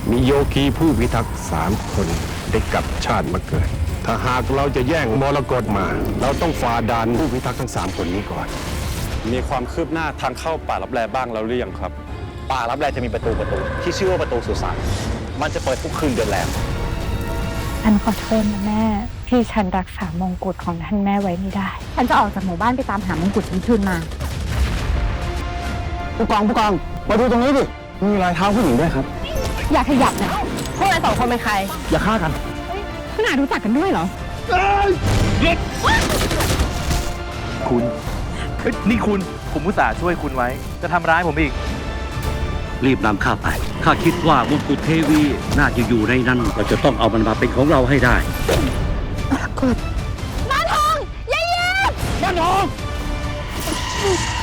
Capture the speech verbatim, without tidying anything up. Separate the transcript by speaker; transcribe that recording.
Speaker 1: มีโยคีผู้พิทักษ์สามคนได้กลับชาติมาเกิด ถ้าหากเราจะแย่งมรกตมา เราต้องฝ่าด่านผู้พิทักษ์ทั้งสามคนนี้ก่อน
Speaker 2: มีความคืบหน้าทางเข้าป่าลับแลบ้างแล้วหรือยังครับ
Speaker 3: ป่ารับแลจะมีประตูประตู ที่ชื่อว่าประตูสุสานมันจะเปิดทุกคืนเดือนแรม
Speaker 4: ฉันขอโทษนะแม่ที่ฉันรักษามงกุฎของท่านแม่ไว้ไม่ได้ ฉันจะออกจากหมู่บ้านไปตามหามงกุฎฉันคืนมา
Speaker 5: ผู้กองผู้กองมาดูตรงนี้ดิ มีรอยเท้าผู้หญิงด้วยครับ
Speaker 4: อย่าขยับนะพวกเราสองคนเป็นใคร
Speaker 5: อย่าฆ่ากัน
Speaker 4: ขนาดรู้จักกันด้วยเหรอ
Speaker 6: คุณเฮ้ยนี่คุณ ผมอุตส่าห์ช่วยคุณไว้ จะทำร้ายผมอีก
Speaker 7: รีบนำข้าไป ข้าคิดว่ามงกุฎเทวีน่าจะอยู่ในนั้น เราจะต้องเอามันมาเป็นของเราให้ได้
Speaker 4: บ้านทองยายเย็นบ้านทอง